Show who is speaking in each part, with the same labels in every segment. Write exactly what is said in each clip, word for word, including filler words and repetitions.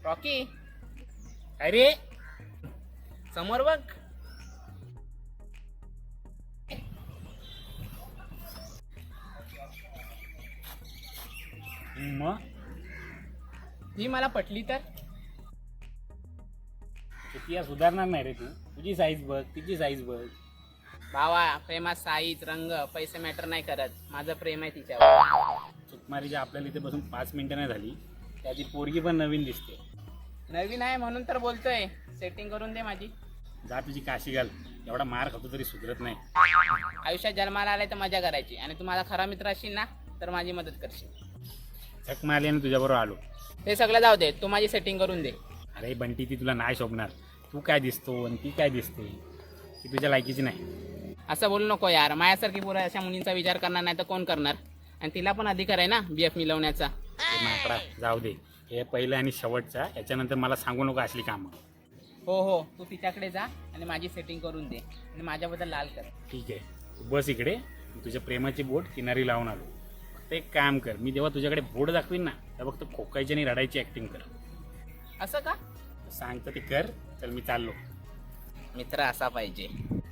Speaker 1: Rocky, अरे समोर बघ.
Speaker 2: मग
Speaker 1: ही मला पटली तर
Speaker 2: किती सुधारणार नाही रे तू. तुझी साईज बघ, तिची साईज बघ.
Speaker 1: भावा, प्रेमात साईज रंग पैसे मॅटर नाही करत. माझं प्रेम आहे तिच्यावर.
Speaker 2: सुकुमारीच्या आपल्याला इथे बसून पाच मिनिटं नाही झाली त्याची पोरगी पण नवीन दिसते.
Speaker 1: नवीन आहे म्हणून तर बोलतोय. सेटिंग करून दे माझी.
Speaker 2: जा तुझी काशी घाल. एवढा मार खातो तरी सुधरत नाही.
Speaker 1: आयुष्यात जन्माला आलाय तर मजा करायची, आणि तू माझा खरा मित्र असशील ना तर माझी मदत करशील.
Speaker 2: झक मारली आणि तुझ्याबरोबर आलो.
Speaker 1: ते सगळं जाऊ दे, तू माझी सेटिंग करून दे.
Speaker 2: अरे बंटी, ती तुला नाही शोभणार. तू काय दिसतो आणि ती काय दिसते ती तुझ्या लायकीची नाही.
Speaker 1: असं बोलू नको यार. माझ्यासारखी पोरं अशा मुलींचा विचार करणार नाही तर कोण करणार. आणि तिला पण अधिकार आहे ना बी एफ मिळवण्याचा.
Speaker 2: ते माकडा जाऊ दे. हे पहिलं आणि शेवटचा. याच्यानंतर मला सांगू नको असली कामं.
Speaker 1: हो हो, तू तिच्याकडे जा आणि माझी सेटिंग करून दे आणि माझ्याबद्दल लाल कर.
Speaker 2: ठीक आहे, तू बस इकडे. तुझ्या प्रेमाची बोट किनारी लावून आलो. फक्त एक काम कर, मी जेव्हा तुझ्याकडे बोट दाखवीन ना तेव्हा फक्त खोकायची आणि रडायची ॲक्टिंग कर.
Speaker 1: असं का?
Speaker 2: सांगतं ते कर. चल मी चाललो.
Speaker 1: मित्र असा पाहिजे.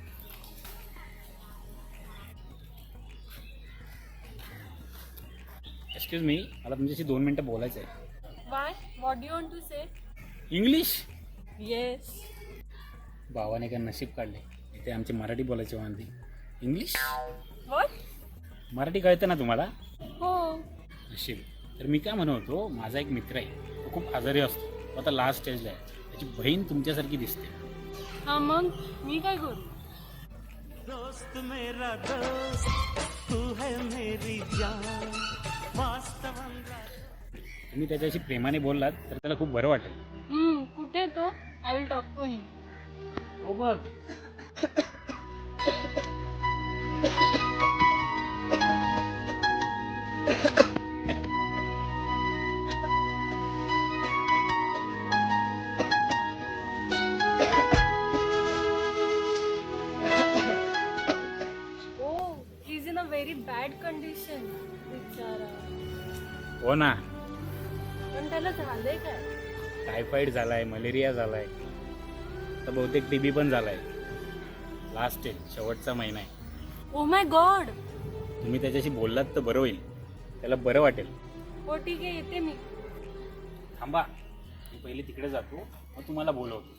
Speaker 2: एक्सक्यूज मी, मला तुमच्याशी दोन मिनटं बोलायचं आहे.
Speaker 3: Why? What do you want to say?
Speaker 2: English.
Speaker 3: Yes.
Speaker 2: भावाने काय नशीब काढले. इथे आमची मराठी बोलायची वांधी. English
Speaker 3: What?
Speaker 2: मराठी कळतं ना तुम्हाला?
Speaker 3: हो.
Speaker 2: नशीब. तर मी काय म्हणत होतो, माझा एक मित्र आहे. तो खूप आजारी असतो. तो आता लास्ट स्टेजला आहे. त्याची बहीण तुमच्यासारखी दिसते.
Speaker 3: हा मग मी काय करू?
Speaker 4: दोस्त मेरा दोस्त तू है मेरी जान वास्तवंगा.
Speaker 2: तुम्ही त्याच्याशी प्रेमाने बोललात तर त्याला खूप बरं वाटेल.
Speaker 3: हम्म, कुठे तो? I will talk to him.
Speaker 2: हो बघ.
Speaker 3: Oh, he's in a very bad condition. बिचारा.
Speaker 2: हो ना.
Speaker 3: पण त्याला झालंय काय?
Speaker 2: टायफॉईड झालाय, मलेरिया झालाय, तर बहुतेक टीबी पण झालाय. लास्ट स्टेज, शेवटचा महिना आहे.
Speaker 3: Oh my god.
Speaker 2: तुम्ही त्याच्याशी बोललात तर बरं होईल. त्याला बरं वाटेल.
Speaker 3: हो ठीक आहे, येते मी.
Speaker 2: थांबा, मी पहिले तिकडे जातो, मग तुम्हाला बोलवतो.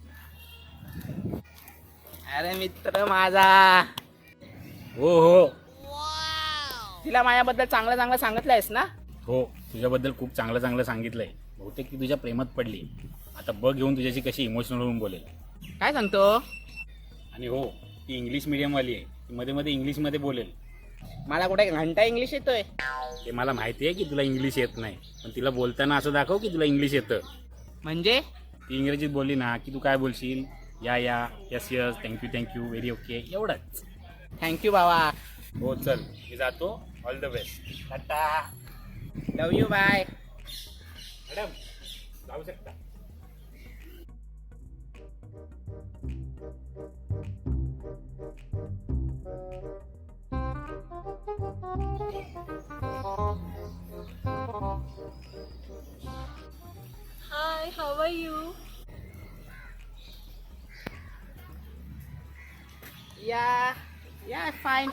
Speaker 1: अरे मित्र माझा.
Speaker 2: हो हो
Speaker 1: तिला माझ्याबद्दल चांगलं चांगलं सांगितलंयस ना?
Speaker 2: हो, तुझ्याबद्दल खूप चांगलं चांगलं सांगितलंय. बहुतेक ती तुझ्या प्रेमात पडली. आता बघ घेऊन तुझ्याशी कशी इमोशनल होऊन बोलेल.
Speaker 1: काय सांगतो?
Speaker 2: आणि हो, ती इंग्लिश मिडियमवाली आहे. ती मध्ये मध्ये इंग्लिशमध्ये बोलेल.
Speaker 1: मला कुठे घंटा इंग्लिश येतोय?
Speaker 2: ते मला माहिती आहे की तुला इंग्लिश येत नाही, पण तिला बोलताना असं दाखव की तुला इंग्लिश येतं.
Speaker 1: म्हणजे
Speaker 2: ती इंग्रजीत बोलली ना की तू काय बोलशील? Yeah yeah, yes yes, thank you thank you, very okay, एवढंच.
Speaker 1: थँक्यू बाबा.
Speaker 2: हो चल, मी जातो. All the best.
Speaker 1: Ta-ta. Love you. Bye.
Speaker 2: Madam जाऊ शकता.
Speaker 3: Hi, how are you?
Speaker 1: Yeah yeah fine.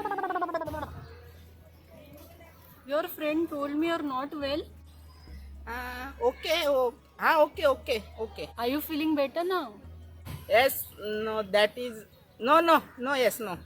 Speaker 3: Your friend told me you're not well.
Speaker 1: Okay. हा okay okay okay.
Speaker 3: Are you feeling better now?
Speaker 1: Yes. No that is no no no yes no.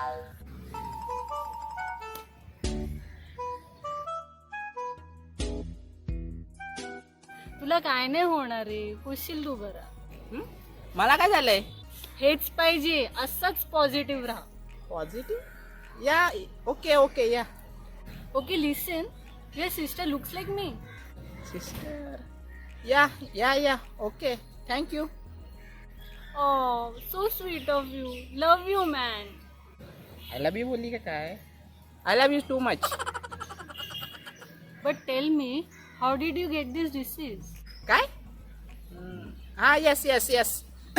Speaker 3: तुला काय नाही होणार रे, होशील तू बरा.
Speaker 1: मला काय झालंय?
Speaker 3: हेच पाहिजे, असंच पॉझिटिव्ह राहा.
Speaker 1: Positive. Yeah okay okay yeah.
Speaker 3: Okay, listen. Your sister looks like me.
Speaker 1: Sister. Yeah yeah yeah okay. Thank you.
Speaker 3: Oh, so sweet of you. Love you, man.
Speaker 1: I love you बोलली का काय? I love you too much.
Speaker 3: But tell me, how did you get this disease?
Speaker 1: काय? हा yes yes yes.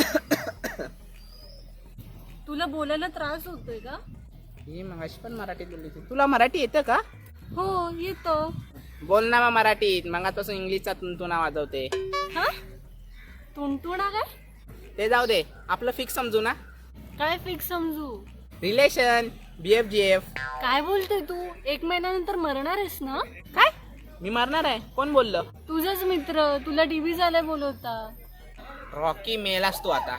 Speaker 3: तुला बोलायला त्रास होतोय का?
Speaker 1: ही मगाशी पण मराठीत बोलली होती. तुला मराठी येतं का?
Speaker 3: हो, येतो.
Speaker 1: बोल ना मग मराठीत, मगापासून इंग्लिशचा तुंतुना वाजवते.
Speaker 3: हा तुंटुणा काय
Speaker 1: ते जाऊ दे, आपलं फिक्स समजू ना.
Speaker 3: काय फिक्स समजू
Speaker 1: relation B F G F.
Speaker 3: काय बोलतोय तू एक महिन्यानंतर मरणार आहेस ना
Speaker 1: काय मी मरणार आहे? कोण बोललं?
Speaker 3: तुझाच मित्र तुला टीव्ही झालाय बोलवता.
Speaker 1: रॉकी मेलास तू आता.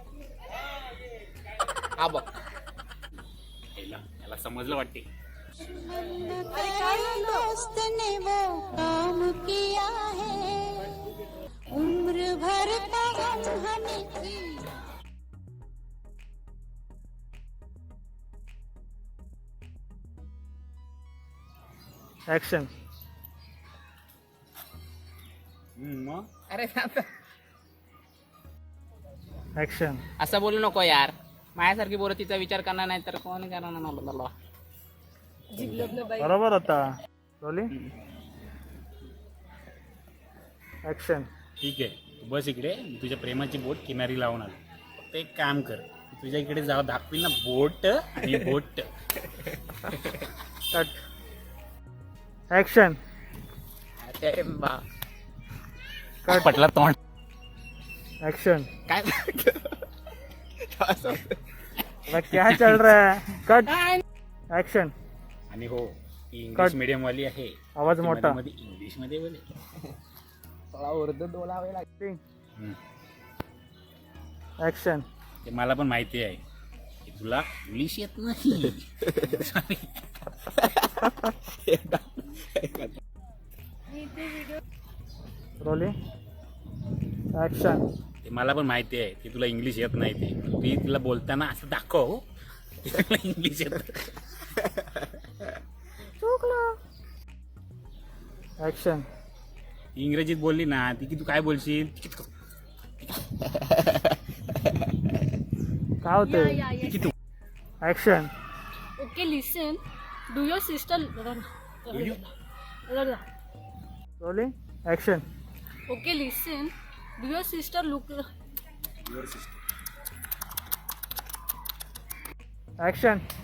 Speaker 1: हा बघ
Speaker 2: याला याला समजलं वाटते.
Speaker 3: अरे काय झालं
Speaker 5: दोस्त ने वो काम किया है उम्र भर का गम हमें की
Speaker 6: ऍक्शन.
Speaker 2: हम्म, मग
Speaker 1: अरे आता
Speaker 6: ऍक्शन.
Speaker 1: असं बोलू नको यार. माझ्यासारखी पोरं तिचा विचार करणार नाही तर कोण करणार ना मला.
Speaker 6: बरोबर होता. रोली. ऍक्शन.
Speaker 2: ठीक आहे, तू बस इकडे. मी तुझ्या प्रेमाची बोट किनारी लावून आलो. फक्त एक काम कर, मी तुझ्या इकडे जाऊ दाखवील ना बोट आणि बोट.
Speaker 6: कट. ऍक्शन.
Speaker 1: अरे बा
Speaker 6: कट.
Speaker 2: पटला तोंड.
Speaker 6: ऍक्शन.
Speaker 1: काय
Speaker 6: अबे क्या चल रहा है? कट. ऍक्शन.
Speaker 2: आणि हो, ती इंग्लिश
Speaker 6: कट.
Speaker 2: मीडियम वाली आहे.
Speaker 6: आवाज
Speaker 2: ती
Speaker 6: मोठा.
Speaker 2: मध्ये इंग्लिश मध्ये बोले.
Speaker 1: थोडा उर्दू बोलावे लागते.
Speaker 2: हम्म.
Speaker 6: ऍक्शन.
Speaker 2: ते मला पण माहिती आहे की तुला इंग्लिश येत नाही. Sorry.
Speaker 6: रोली. ऍक्शन.
Speaker 2: ते मला पण माहिती आहे की तुला इंग्लिश येत नाही. ते ती तुला बोलताना असं दाखव की तुला इंग्लिश येत.
Speaker 6: ऍक्शन.
Speaker 2: ती इंग्रजीत बोलली ना ती की तू काय बोलशील.
Speaker 6: काय होतंय?
Speaker 3: या या
Speaker 2: की तू
Speaker 6: action.
Speaker 3: Okay listen do your sister
Speaker 6: Roli. Action.
Speaker 3: Okay listen do your sister look
Speaker 6: action.